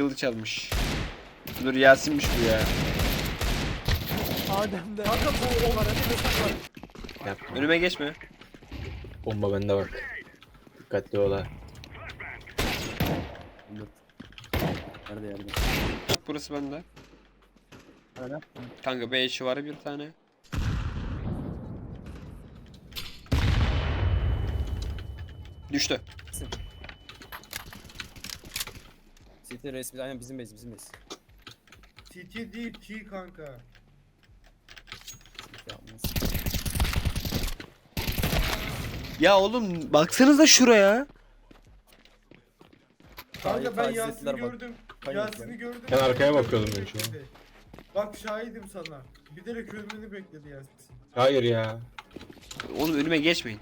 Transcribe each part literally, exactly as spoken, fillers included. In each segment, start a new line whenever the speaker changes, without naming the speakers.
kılıç almış. Dur Yasin'miş bu ya.
Adem'de. Kanka bu on var.
Yapma.
Önüme geçme.
Bomba bende bak. Dikkatli ol ha.
Nerede yerde?
Burası bende.
Öyle.
Kanka B eşi var bir tane. Düştü.
City resmi aynen bizim base bizim base.
T T değil T kanka.
City yapmaz.
Ya oğlum baksanıza şuraya.
Hayır,
Kanka ben
taciz
Yasin'i
ettiler bak.
gördüm.
Hayır,
Yasin'i gördüm.
Ben arkaya bakıyordum ben şu an.
Bak şahidim sana. Bilerek ölmeni bekledi Yasin.
Hayır ya.
Oğlum önüme geçmeyin.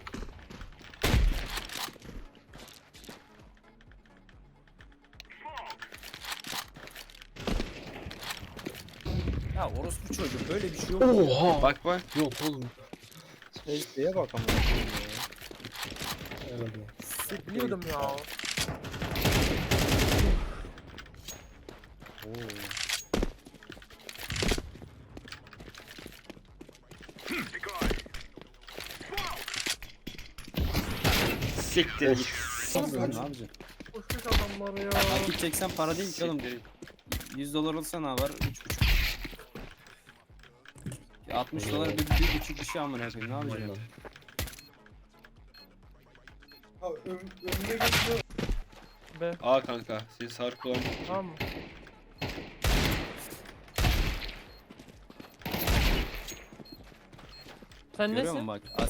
Ya orospu çocuğu böyle bir şey yok.
Oha.
Bak bak.
Yok oğlum.
Safe'ye bak ama.
Herhalde.
Biliyordum ya.
Oo.
Siktir git.
Nasıl ne yapacaksın?
Koşmuş adamlar ya.
Takip çeksen para değil ki oğlum.
Siktir git.
yüz dolar olsa ne var? üç buçuk. Ya altmış dolar bir, bir buçuk bir şey amına koyayım ne yapacaksın?
Ha ön, önüne geçiyor.
Be.
Aa kanka seni sarı kulağım.
Tamam mı? Sen
Görüyor
nesin?
musun bak? As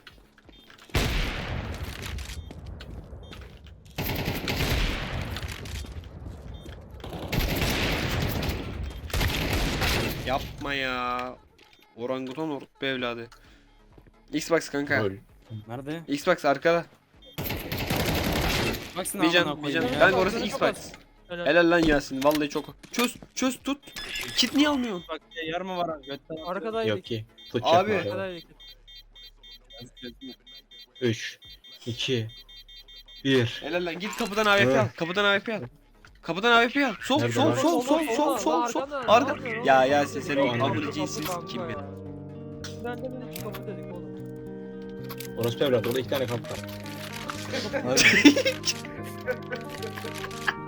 Yapma ya. Orangutan orospu evladı. Xbox kanka.
Öl.
Nerede?
Xbox arkada.
Baksana
Bir
amına
can bir
koyayım
can.
ya.
Kanka orası
Kapat,
Xbox.
kapat. Helal.
Helal lan Yasin. Vallahi çok. Çöz çöz tut. Kit niye almıyorsun?
Bak ya yer mi var abi? Götten
Arkadaydık.
Yok ki. Fıç
Abi.
yapma.
Arkadaydık.
üç, iki, bir.
Helal lan git kapıdan A W P al.
Evet.
Kapıdan A W P al. Kapıdan A W P al. Sol
Nerede
sol
lan?
sol sol sol sol sol. Arka. Ya Yasin senin
Anladım.
amını cinsiz kim ya?
Ben de böyle iki kapı dedik oğlum.
Orası evlat. Orada iki tane kamp var.